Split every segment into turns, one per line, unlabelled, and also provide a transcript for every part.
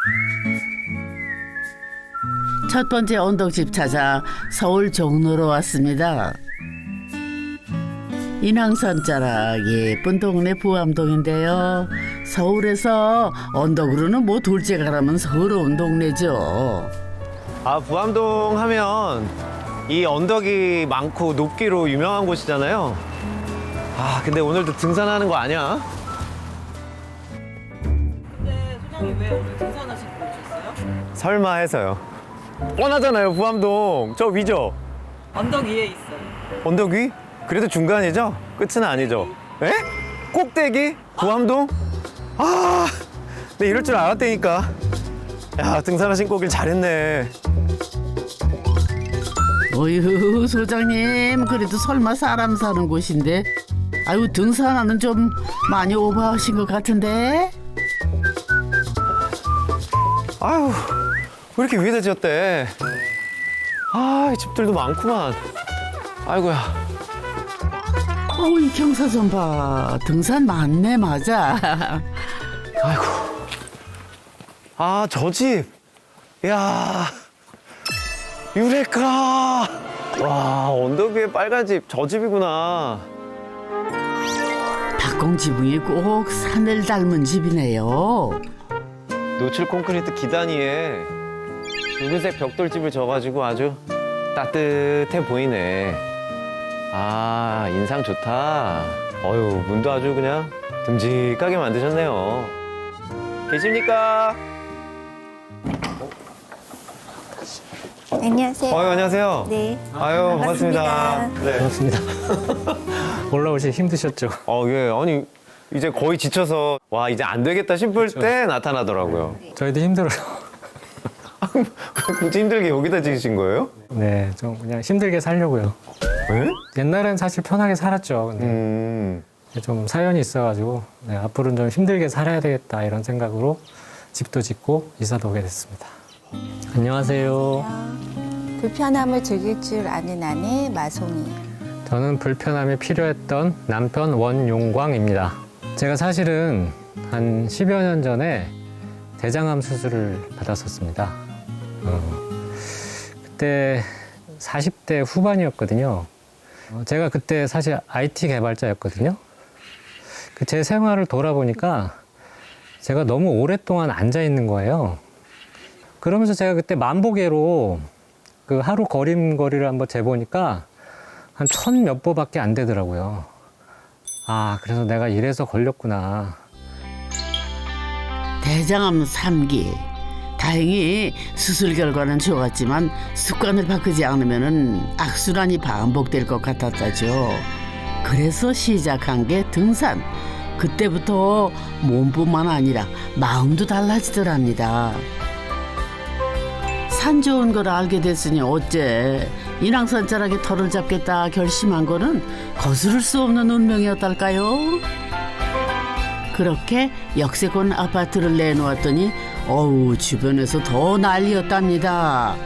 첫 번째 언덕집 찾아 서울 종로로 왔습니다. 인왕산 자락 예쁜 동네 부암동인데요. 서울에서 언덕으로는 뭐 둘째 가라면 서러운 동네죠.
아, 부암동 하면 이 언덕이 많고 높기로 유명한 곳이잖아요. 아, 근데 오늘도 등산하는 거 아니야?
근데 소장님 왜 오늘 등산하시고 오셨어요?
설마 해서요. 뻔하잖아요, 부암동. 저 위죠?
언덕 위에 있어요.
언덕 위? 그래도 중간이죠? 끝은 아니죠? 에? 꼭대기? 부암동? 아, 내 이럴 줄 알았다니까. 야, 등산화 신고 오길 잘했네.
어휴 소장님 그래도 설마 사람 사는 곳인데 아유 등산하는 좀 많이 오버하신 것 같은데.
아유, 왜 이렇게 위에다 지었대? 아, 이 집들도 많구만. 아이고야.
어우 이 경사선 봐 등산 많네 맞아.
아이고. 아, 저 집. 이야. 유레카. 와, 언덕 위에 빨간 집. 저 집이구나.
박공 지붕이 꼭 산을 닮은 집이네요.
노출 콘크리트 기단위에 붉은색 벽돌집을 져가지고 아주 따뜻해 보이네. 아, 인상 좋다. 어휴, 문도 아주 그냥 듬직하게 만드셨네요. 계십니까?
안녕하세요.
안녕하세요.
네.
아유, 반갑습니다. 네.
반갑습니다. 올라오시 힘드셨죠?
예. 아니, 이제 거의 지쳐서, 와, 이제 안 되겠다 싶을 때 나타나더라고요.
저희도 힘들어요.
굳이 힘들게 여기다 지으신 거예요?
네, 좀 그냥 힘들게 살려고요.
네?
옛날엔 사실 편하게 살았죠. 근데 좀 사연이 있어가지고 네, 앞으로는 좀 힘들게 살아야 되겠다 이런 생각으로 집도 짓고 이사도 오게 됐습니다. 안녕하세요.
불편함을 즐길 줄 아는 아내 마송이에요.
저는 불편함이 필요했던 남편 원용광입니다. 제가 사실은 한 10여 년 전에 대장암 수술을 받았었습니다. 그때 40대 후반이었거든요. 제가 그때 사실 IT 개발자였거든요. 제 생활을 돌아보니까 제가 너무 오랫동안 앉아 있는 거예요. 그러면서 제가 그때 만보계로 그 하루 걸음걸이를 한번 재보니까 한 1000몇 보밖에 안 되더라고요. 아, 그래서 내가 이래서 걸렸구나.
대장암 3기. 다행히 수술 결과는 좋았지만 습관을 바꾸지 않으면 악순환이 반복될 것 같았다죠. 그래서 시작한 게 등산. 그때부터 몸뿐만 아니라 마음도 달라지더랍니다. 산 좋은 걸 알게 됐으니 어째 인왕산 자락에 터를 잡겠다 결심한 거는 거스를 수 없는 운명이었달까요? 그렇게 역세권 아파트를 내놓았더니 어우 주변에서 더 난리였답니다.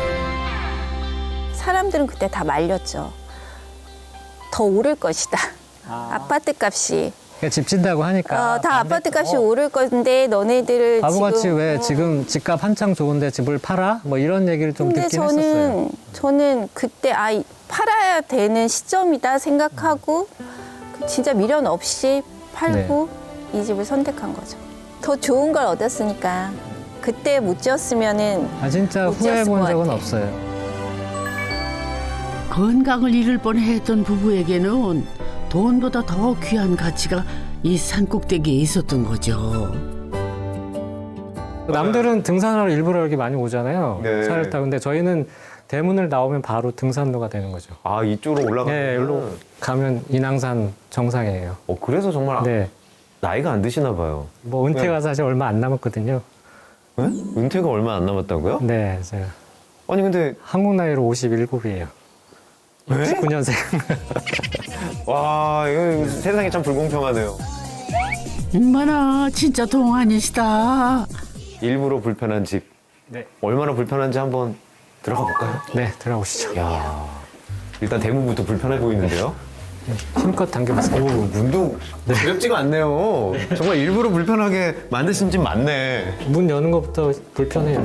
사람들은 그때 다 말렸죠. 더 오를 것이다. 아파트 값이.
그러니까 집 짓다고 하니까.
다 아파트 값이 오를 건데 너네들을
바보같이
지금.
왜 지금 집값 한창 좋은데 집을 팔아? 뭐 이런 얘기를 좀
근데
듣긴 했었어요.
저는 그때 팔아야 되는 시점이다 생각하고 진짜 미련 없이 팔고 이 집을 선택한 거죠. 더 좋은 걸 얻었으니까 그때 못 지었으면은
아, 진짜
못
후회해
지었을
본
것
적은
같아.
없어요.
건강을 잃을 뻔했던 부부에게는 돈보다 더 귀한 가치가 이 산꼭대기에 있었던 거죠.
남들은 등산하러 일부러 이렇게 많이 오잖아요.
네.
차를 타고. 근데 저희는 대문을 나오면 바로 등산로가 되는 거죠.
아, 이쪽으로 올라가면.
네, 여기로 가면 인왕산 정상이에요.
그래서 정말
네.
나이가 안 드시나 봐요.
뭐 은퇴가 사실 얼마 안 남았거든요.
네? 은퇴가 얼마 안 남았다고요?
네, 제가
아니, 근데,
한국 나이로 57이에요.
네?
69년생.
와, 이거 세상이 참 불공평하네요.
얼마나 진짜 동안이시다.
일부러 불편한 집.
네.
얼마나 불편한지 한번 들어가 볼까요?
네, 들어오시죠.
야, 일단 대문부터 불편해 보이는데요?
힘껏 당겨보세요.
오, 문도 어렵지가 않네요. 정말 일부러 불편하게 만드신 집 맞네.
문 여는 것부터 불편해요.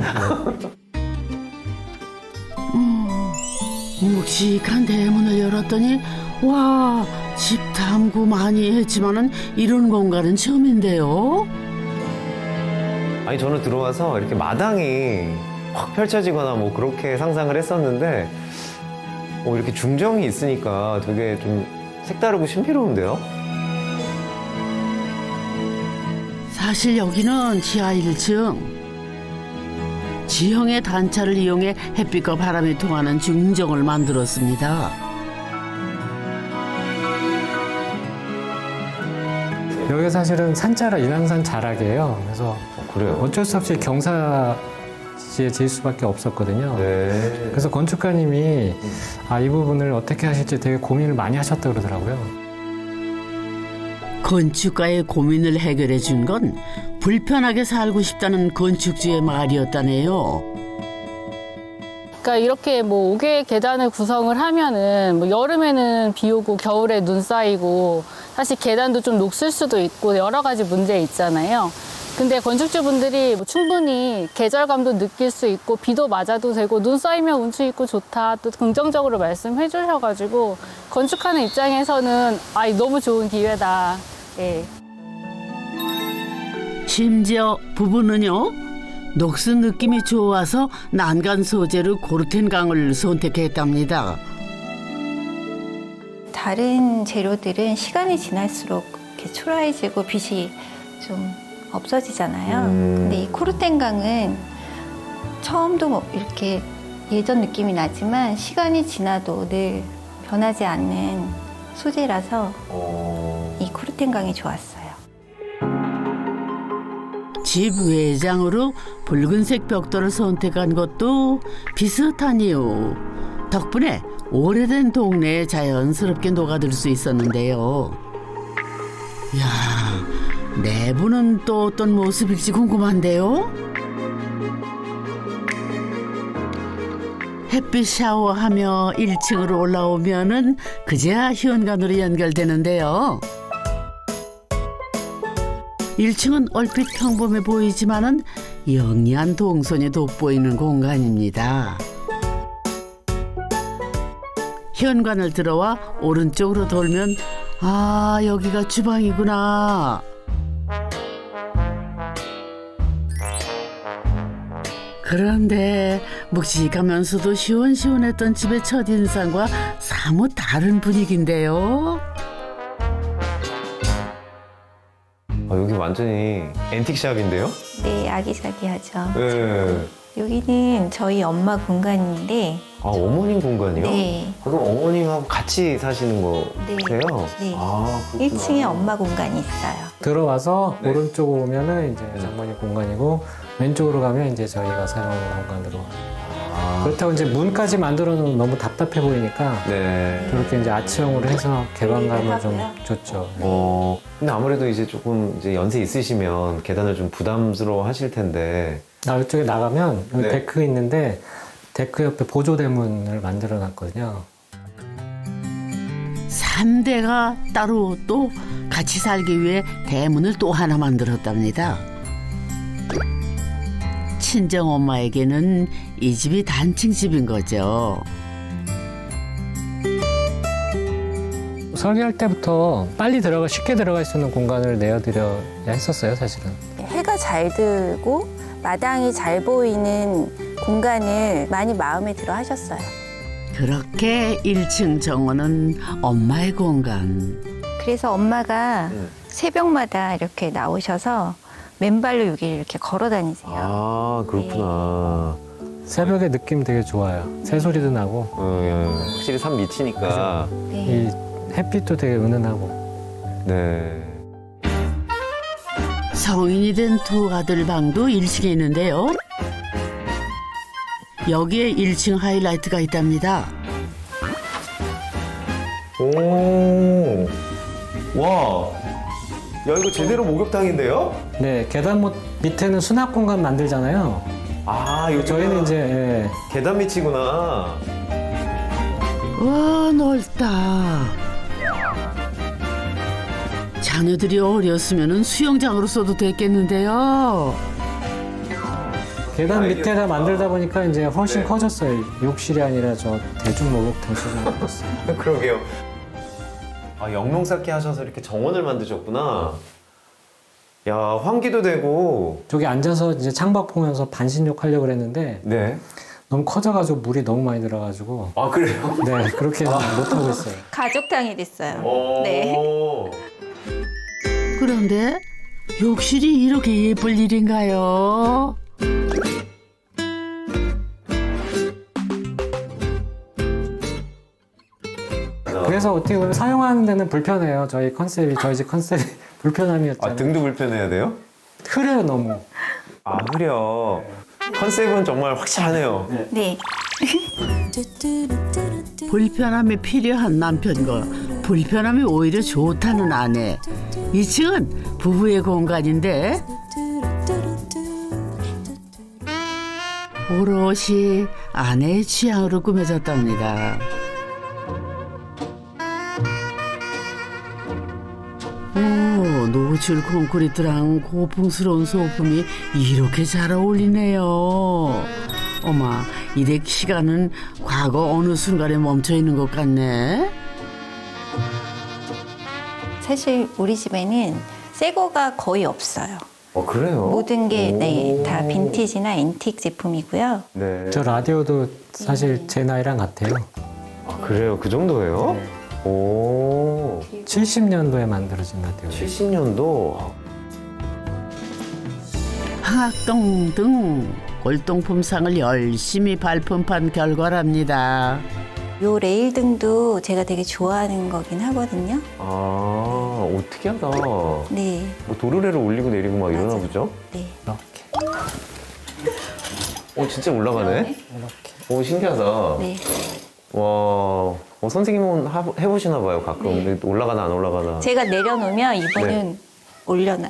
네.
묵직한 대문을 열었더니 와, 집 탐구 많이 했지만은 이런 공간은 처음인데요.
아니 저는 들어와서 이렇게 마당이 확 펼쳐지거나 뭐 그렇게 상상을 했었는데 이렇게 중정이 있으니까 되게 좀 색다르고 신비로운데요?
사실 여기는 지하 1층. 지형의 단차를 이용해 햇빛과 바람이 통하는 중정을 만들었습니다.
여기 사실은 산자라 인왕산 자락이에요. 그래서
그래요?
어쩔 수 없이 경사지에 지을 수밖에 없었거든요.
네.
그래서 건축가님이 이 부분을 어떻게 하실지 되게 고민을 많이 하셨다고 그러더라고요.
건축가의 고민을 해결해 준 건 불편하게 살고 싶다는 건축주의 말이었다네요.
그러니까 이렇게 뭐 5개의 계단을 구성을 하면은 뭐 여름에는 비 오고 겨울에 눈 쌓이고 사실 계단도 좀 녹슬 수도 있고 여러 가지 문제 있잖아요. 근데 건축주분들이 뭐 충분히 계절감도 느낄 수 있고 비도 맞아도 되고 눈 쌓이면 운치 있고 좋다 또 긍정적으로 말씀해 주셔가지고 건축하는 입장에서는 너무 좋은 기회다. 예.
심지어 부부는요, 녹슨 느낌이 좋아서 난간 소재로 고르텐강을 선택했답니다.
다른 재료들은 시간이 지날수록 이렇게 초라해지고 빛이 좀 없어지잖아요. 근데 이 코르텐강은 처음도 뭐 이렇게 예전 느낌이 나지만 시간이 지나도 늘 변하지 않는 소재라서 이 코르텐강이 좋았어요.
집 외장으로 붉은색 벽돌을 선택한 것도 비슷한 이유. 덕분에 오래된 동네에 자연스럽게 녹아들 수 있었는데요. 이야, 내부는 또 어떤 모습일지 궁금한데요. 햇빛 샤워하며 1층으로 올라오면은 그제야 현관으로 연결되는데요. 1층은 얼핏 평범해 보이지만은 영리한 동선이 돋보이는 공간입니다. 현관을 들어와 오른쪽으로 돌면 여기가 주방이구나. 그런데 묵직하면서도 시원시원했던 집의 첫인상과 사뭇 다른 분위기인데요.
여기 완전히 앤틱샵인데요?
네, 아기자기하죠.
네.
여기는 저희 엄마 공간인데
어머님 공간이요?
네.
그럼 어머님하고 같이 사시는 거세요?
네.
그렇구나.
1층에 엄마 공간이 있어요.
들어와서
네.
오른쪽으로 오면은 이제 장모님 공간이고 왼쪽으로 가면 이제 저희가 사용하는 공간으로. 그렇다고 이제 문까지 만들어 놓으면 너무 답답해 보이니까
네.
그렇게 이제 아치형으로 해서 개방감을 좀 줬죠.
근데 아무래도 이제 조금 이제 연세 있으시면 계단을 좀 부담스러워 하실 텐데.
이쪽에 나가면 여기
네.
데크 있는데 데크 옆에 보조 대문을 만들어 놨거든요.
3대가 따로 또 같이 살기 위해 대문을 또 하나 만들었답니다. 친정 엄마에게는 이 집이 단층 집인 거죠.
설계할 때부터 빨리 쉽게 들어갈 수 있는 공간을 내어드려야 했었어요, 사실은.
해가 잘 들고 마당이 잘 보이는 공간을 많이 마음에 들어 하셨어요.
그렇게 1층 정원은 엄마의 공간.
그래서 엄마가 새벽마다 이렇게 나오셔서 맨발로 여기를 이렇게 걸어 다니세요.
그렇구나.
새벽에 느낌 되게 좋아요. 새소리도 나고
확실히 산 밑이니까.
네.
이 햇빛도 되게 은은하고.
네.
성인이 된 두 아들 방도 1층에 있는데요. 여기에 1층 하이라이트가 있답니다.
오. 와. 야, 이거 제대로 목욕탕인데요?
네, 계단 밑에는 수납 공간 만들잖아요.
여기
저희는 이제
계단 밑이구나.
와, 넓다. 자녀들이 어렸으면 수영장으로 써도 됐겠는데요.
계단 밑에다 만들다 보니까 이제 훨씬
네.
커졌어요. 욕실이 아니라 저 대중 목욕탕 수준이 됐어요.
그러게요. 아, 영농 쌓기 하셔서 이렇게 정원을 만드셨구나. 야, 환기도 되고.
저기 앉아서 이제 창밖 보면서 반신욕 하려고 그랬는데
네.
너무 커져가지고 물이 너무 많이 들어가지고
아, 그래요?
네 그렇게 못하고 있어요.
가족탕이 됐어요.
오.
네.
그런데 욕실이 이렇게 예쁠 일인가요?
그래서 어떻게 보면 사용하는 데는 불편해요. 저희 집 컨셉이 불편함이었잖아요.
아, 등도 불편해야 돼요?
흐려요 너무.
아, 흐려. 컨셉은 정말 확실하네요.
네.
불편함이 필요한 남편과 불편함이 오히려 좋다는 아내. 2층은 부부의 공간인데 오롯이 아내의 취향으로 꾸며졌답니다. 오, 노출 콘크리트랑 고풍스러운 소품이 이렇게 잘 어울리네요. 어마, 이래 시간은 과거 어느 순간에 멈춰 있는 것 같네.
사실 우리 집에는 새 거가 거의 없어요.
그래요?
모든 게 네,
오.
다 빈티지나 앤틱 제품이고요.
네.
저 라디오도 사실 제 나이랑 같아요.
아, 그래요? 그 정도예요? 오.
70년도에 만들어진 라디오.
70년도?
황학동 등 골동품상을 열심히 발품한 결과랍니다.
요 레일 등도 제가 되게 좋아하는 거긴 하거든요.
아, 특이하다.
네.
뭐 도르래를 올리고 내리고 막 이러나 보죠?
네.
이렇게.
진짜 올라가네?
이렇게.
신기하다.
네.
와, 선생님은 해보시나 봐요, 가끔.
네.
근데 올라가나 안 올라가나.
제가 내려놓으면 이분은
네.
올려놔요.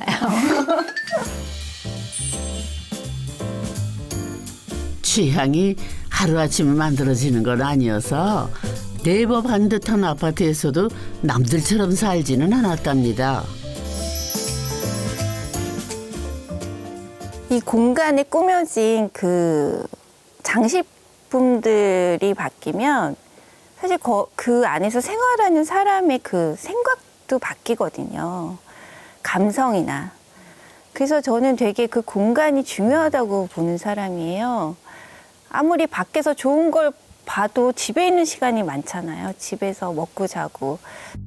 취향이 하루아침에 만들어지는 건 아니어서 대법한 듯한 아파트에서도 남들처럼 살지는 않았답니다.
이 공간에 꾸며진 그 장식품들이 바뀌면 사실 그 안에서 생활하는 사람의 그 생각도 바뀌거든요. 감성이나. 그래서 저는 되게 그 공간이 중요하다고 보는 사람이에요. 아무리 밖에서 좋은 걸 봐도 집에 있는 시간이 많잖아요. 집에서 먹고 자고.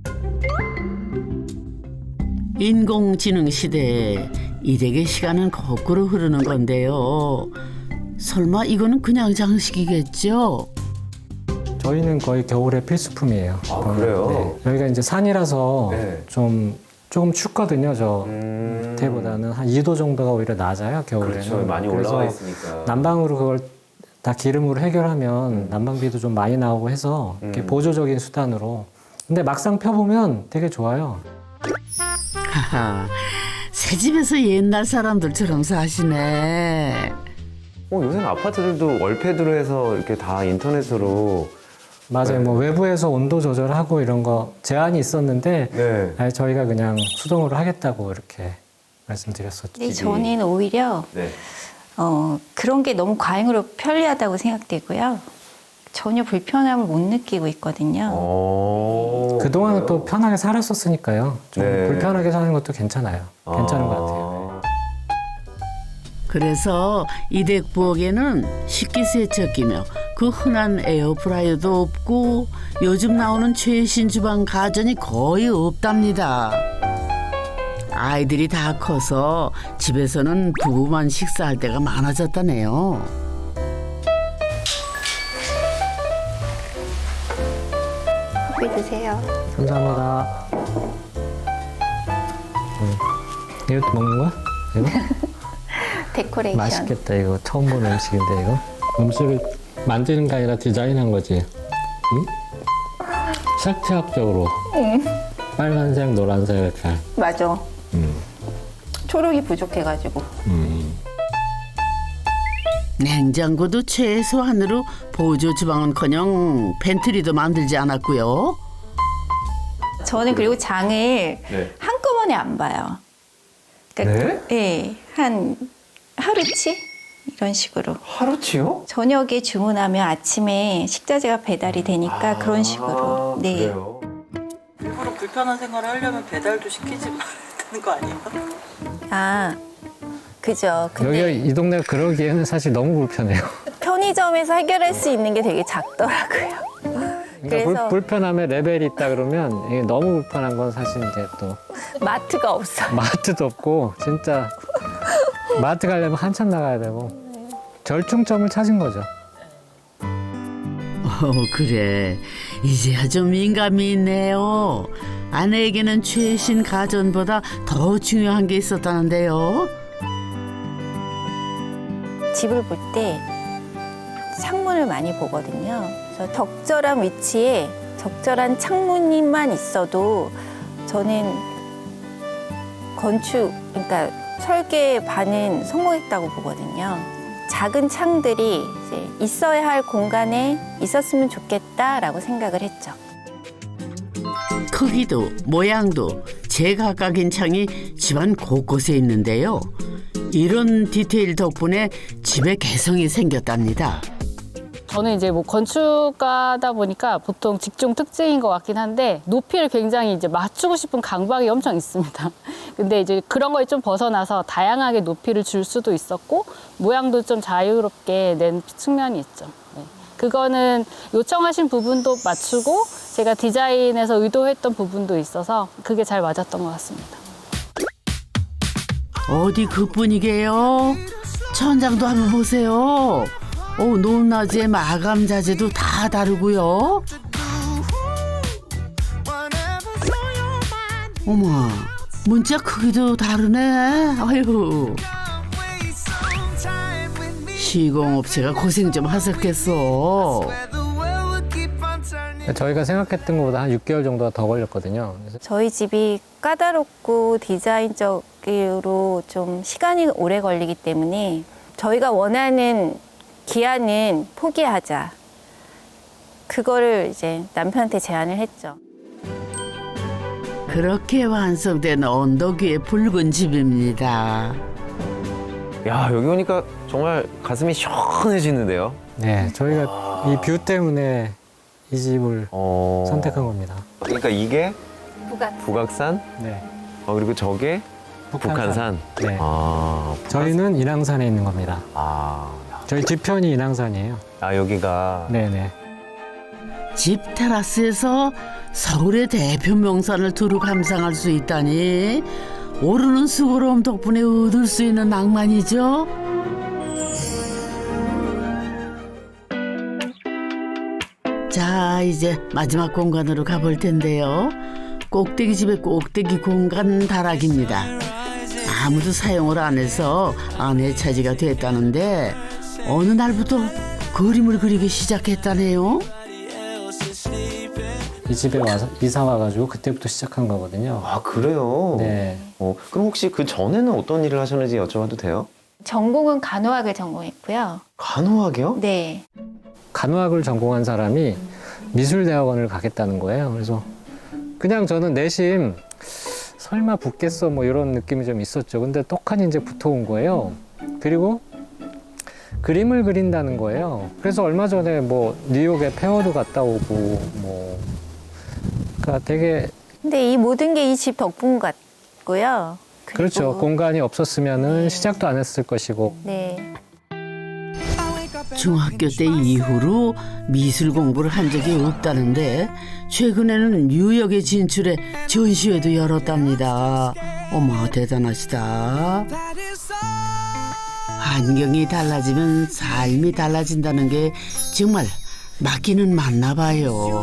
인공지능 시대에 일에게 시간은 거꾸로 흐르는 건데요. 설마 이거는 그냥 장식이겠죠?
저희는 거의 겨울의 필수품이에요.
아, 그래요?
네. 여기가 이제 산이라서
네.
조금 춥거든요. 저 밑에보다는 한 2도 정도가 오히려 낮아요. 겨울에는.
그렇죠. 많이
그래서
올라와 있으니까.
난방으로 그걸 다 기름으로 해결하면 난방비도 좀 많이 나오고 해서 이렇게 보조적인 수단으로. 근데 막상 펴보면 되게 좋아요.
하하, 새 집에서 옛날 사람들처럼 사시네.
요새는 아파트들도 월패드로 해서 이렇게 다 인터넷으로.
맞아요.
네.
뭐 외부에서 온도 조절하고 이런 거 제한이 있었는데
네.
아예 저희가 그냥 수동으로 하겠다고 이렇게 말씀드렸었죠.
근데 저는 오히려
네.
그런 게 너무 과잉으로 편리하다고 생각되고요. 전혀 불편함을 못 느끼고 있거든요.
그동안은 또 편하게 살았었으니까요. 좀
네.
불편하게 사는 것도 괜찮아요. 괜찮은 것 같아요.
그래서 이댁 부엌에는 식기세척기며 그 흔한 에어프라이어도 없고 요즘 나오는 최신 주방 가전이 거의 없답니다. 아이들이 다 커서 집에서는 부부만 식사할 때가 많아졌다네요.
커피 드세요.
감사합니다. 이것도 먹는 거야? 이거?
데코레이션.
맛있겠다. 이거 처음 보는 음식인데 이거? 음식을 만드는 게 아니라 디자인한 거지? 응? 색채학적으로 빨간색, 노란색 이렇게.
맞아. 초록이 부족해가지고.
냉장고도 최소한으로 보조 주방은커녕 팬트리도 만들지 않았고요.
저는 그리고 장을
네.
한꺼번에 번에 안 봐요. 그러니까 네, 한 하루치 이런 식으로.
하루치요?
저녁에 주문하면 아침에 식자재가 배달이 되니까 그런 식으로. 네.
그래요?
일부러 불편한 생활을 하려면 배달도 시키지 말아야 되는 거 아니에요?
아, 그죠. 근데
여기가 이 동네가 그러기에는 사실 너무 불편해요.
편의점에서 해결할 수 있는 게 되게 작더라고요.
그러니까
그래서
불편함의 레벨이 있다 그러면 이게 너무 불편한 건 사실 이제 또
마트가 없어요.
마트도 없고 진짜 마트 가려면 한참 나가야 되고 절충점을 찾은 거죠.
그래. 이제야 좀 민감이 있네요. 아내에게는 최신 가전보다 더 중요한 게 있었다는데요.
집을 볼 때 창문을 많이 보거든요. 그래서 적절한 위치에 적절한 창문만 있어도 저는 건축, 그러니까 설계 반은 성공했다고 보거든요. 작은 창들이 이제 있어야 할 공간에 있었으면 좋겠다라고 생각을 했죠.
크기도 모양도 제각각인 창이 집안 곳곳에 있는데요. 이런 디테일 덕분에 집에 개성이 생겼답니다.
저는 이제 뭐 건축가다 보니까 보통 직종 특징인 것 같긴 한데 높이를 굉장히 이제 맞추고 싶은 강박이 엄청 있습니다. 근데 이제 그런 거에 좀 벗어나서 다양하게 높이를 줄 수도 있었고 모양도 좀 자유롭게 낸 측면이 있죠. 네. 그거는 요청하신 부분도 맞추고 제가 디자인에서 의도했던 부분도 있어서 그게 잘 맞았던 것 같습니다.
어디 그뿐이게요? 천장도 한번 보세요. 높낮이의 마감 자재도 다 다르고요. 어머, 문자 크기도 다르네. 아유, 시공업체가 고생 좀 하셨겠어.
저희가 생각했던 것보다 한 6개월 정도가 더 걸렸거든요. 그래서
저희 집이 까다롭고 디자인적으로 좀 시간이 오래 걸리기 때문에 저희가 원하는 기한은 포기하자. 그거를 이제 남편한테 제안을 했죠.
그렇게 완성된 언덕 위의 붉은 집입니다.
야, 여기 오니까 정말 가슴이 시원해지는데요.
네, 저희가 이 뷰 때문에 이 집을 선택한 겁니다.
그러니까 이게
부각.
북악산,
네.
그리고 저게 북한산.
네.
아,
저희는 인왕산에 있는 겁니다. 저희 뒤편이 인왕산이에요.
여기가.
네네.
집 테라스에서 서울의 대표 명산을 두루 감상할 수 있다니 오르는 수고로움 덕분에 얻을 수 있는 낭만이죠. 자, 이제 마지막 공간으로 가볼 텐데요. 꼭대기 집의 꼭대기 공간 다락입니다. 아무도 사용을 안 해서 아내 차지가 됐다는데 어느 날부터 그림을 그리기 시작했다네요.
이 집에 와서 이사 와가지고 그때부터 시작한 거거든요.
아, 그래요?
네.
그럼 혹시 그 전에는 어떤 일을 하셨는지 여쭤봐도 돼요?
전공은 간호학을 전공했고요.
간호학이요?
네.
간호학을 전공한 사람이 미술대학원을 가겠다는 거예요. 그래서 그냥 저는 내심 설마 붙겠어 뭐 이런 느낌이 좀 있었죠. 근데 떡하니 이제 붙어온 거예요. 그리고 그림을 그린다는 거예요. 그래서 얼마 전에 뭐 뉴욕에 페어도 갔다 오고 뭐 그러니까 되게
근데 이 모든 게 이 집 덕분 같고요. 그리고
그렇죠. 공간이 없었으면은 시작도 안 했을 것이고.
네.
중학교 때 이후로 미술 공부를 한 적이 없다는데 최근에는 뉴욕에 진출해 전시회도 열었답니다. 어머, 대단하시다. 환경이 달라지면 삶이 달라진다는 게 정말 맞기는 맞나 봐요.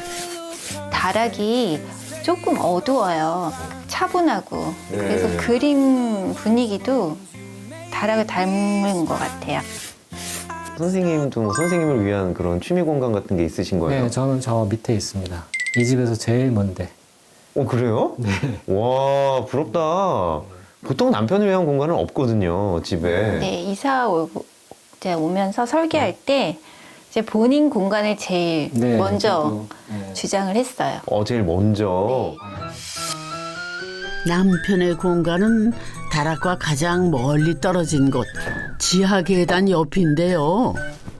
다락이 조금 어두워요. 차분하고.
네.
그래서 그림 분위기도 다락을 닮은 것 같아요.
선생님도 뭐 선생님을 위한 그런 취미 공간 같은 게 있으신 거예요?
네, 저는 저 밑에 있습니다. 이 집에서 제일 먼데.
그래요? 네. 와, 부럽다. 보통 남편을 위한 공간은 없거든요, 집에.
네, 이사 이제 오면서 설계할 때 이제 본인 공간을 제일
네,
먼저
저도, 네.
주장을 했어요.
제일 먼저.
남편의 공간은 다락과 가장 멀리 떨어진 곳 지하 계단 옆인데요.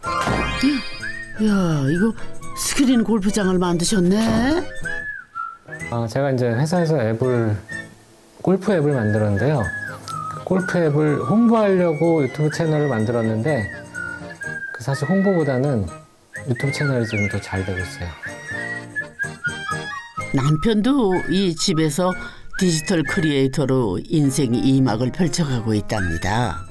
야, 이거 스크린 골프장을 만드셨네.
제가 이제 회사에서 골프 앱을 만들었는데요. 골프 앱을 홍보하려고 유튜브 채널을 만들었는데 사실 홍보보다는 유튜브 채널이 지금 더 잘 되고 있어요.
남편도 이 집에서 디지털 크리에이터로 인생의 2막을 펼쳐가고 있답니다.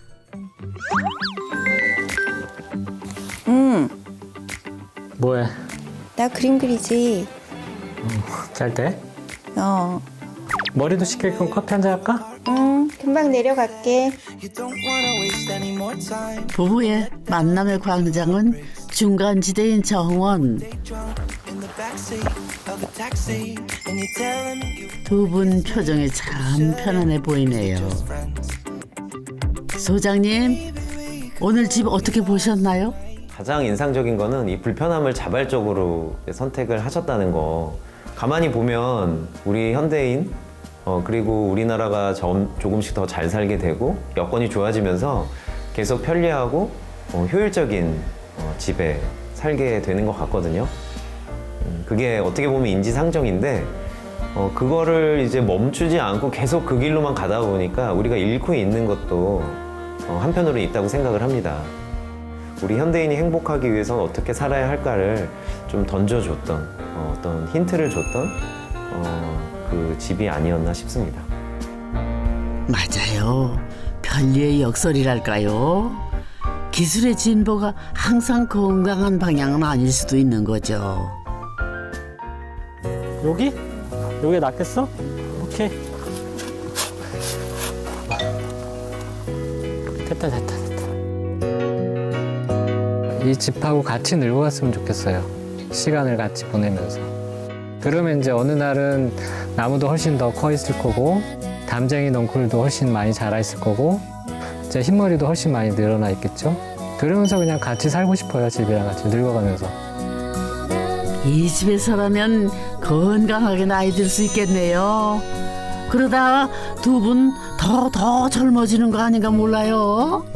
뭐해?
나 그림 그리지.
잘 돼? 머리도 식힐 거면 커피 한잔 할까?
금방 내려갈게.
부부의 만남의 광장은 중간지대인 정원. 두 분 표정이 참 편안해 보이네요. 소장님, 오늘 집 어떻게 보셨나요?
가장 인상적인 거는 이 불편함을 자발적으로 선택을 하셨다는 거. 가만히 보면 우리 현대인 그리고 우리나라가 조금씩 더 잘 살게 되고 여건이 좋아지면서 계속 편리하고 효율적인 집에 살게 되는 것 같거든요. 그게 어떻게 보면 인지상정인데 그거를 이제 멈추지 않고 계속 그 길로만 가다 보니까 우리가 잃고 있는 것도 한편으로 있다고 생각을 합니다. 우리 현대인이 행복하기 위해서 어떻게 살아야 할까를 좀 던져줬던 어떤 힌트를 줬던 그 집이 아니었나 싶습니다.
맞아요. 편리의 역설이랄까요? 기술의 진보가 항상 건강한 방향은 아닐 수도 있는 거죠.
여기? 여기가 낫겠어? 오케이. 됐다. 이 집하고 같이 늙어갔으면 좋겠어요. 시간을 같이 보내면서. 그러면 이제 어느 날은 나무도 훨씬 더 커 있을 거고, 담쟁이 넝쿨도 훨씬 많이 자라 있을 거고, 제 흰머리도 훨씬 많이 늘어나 있겠죠? 그러면서 그냥 같이 살고 싶어요. 집이랑 같이 늙어가면서.
이 집에서라면 건강하게 나이 들 수 있겠네요. 그러다 두 분 더 젊어지는 거 아닌가 몰라요.